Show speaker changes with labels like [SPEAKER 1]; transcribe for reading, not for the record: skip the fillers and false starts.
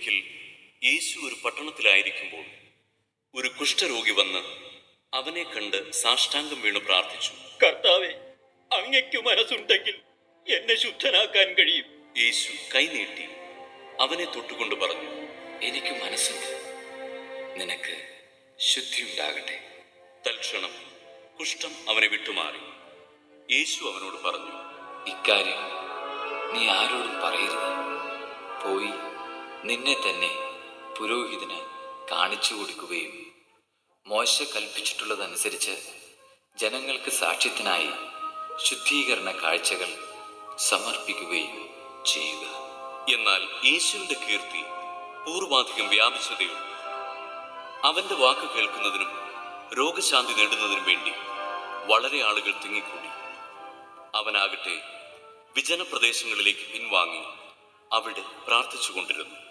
[SPEAKER 1] ഒരിക്കൽ യേശു ഒരു പട്ടണത്തിലായിരിക്കുമ്പോൾ ഒരു കുഷ്ഠരോഗി വന്ന് അവനെ കണ്ട് സാഷ്ടാംഗം വീണ് പ്രാർത്ഥിച്ചു.
[SPEAKER 2] കർത്താവേ, അങ്ങയ്ക്ക് മനസ്സുണ്ടെങ്കിൽ എന്നെ ശുദ്ധനാക്കാൻ കഴിയും.
[SPEAKER 1] യേശു കൈനീട്ടി അവനെ തൊട്ടുകൊണ്ട് പറഞ്ഞു,
[SPEAKER 3] എനിക്ക് മനസ്സുണ്ട്, നിനക്ക് ശുദ്ധിയുണ്ടാകട്ടെ.
[SPEAKER 1] തൽക്ഷണം കുഷ്ഠം അവനെ വിട്ടുമാറി. യേശു അവനോട് പറഞ്ഞു,
[SPEAKER 3] ഇക്കാര്യം നീ ആരോടും പറയരുത്. പോയി നിന്നെ തന്നെ പുരോഹിതന് കാണിച്ചു കൊടുക്കുകയും മോശ കൽപ്പിച്ചിട്ടുള്ളതനുസരിച്ച് ജനങ്ങൾക്ക് സാക്ഷ്യത്തിനായി ശുദ്ധീകരണ കാഴ്ചകൾ സമർപ്പിക്കുകയും ചെയ്യുക.
[SPEAKER 1] എന്നാൽ യേശുവിന്റെ കീർത്തി പൂർവാധികം വ്യാപിച്ചതേയുള്ളൂ. അവന്റെ വാക്ക് കേൾക്കുന്നതിനും രോഗശാന്തി നേടുന്നതിനും വേണ്ടി വളരെ ആളുകൾ തിങ്ങിക്കൂടി. അവനാകട്ടെ വിജനപ്രദേശങ്ങളിലേക്ക് പിൻവാങ്ങി അവിടെ പ്രാർത്ഥിച്ചുകൊണ്ടിരുന്നു.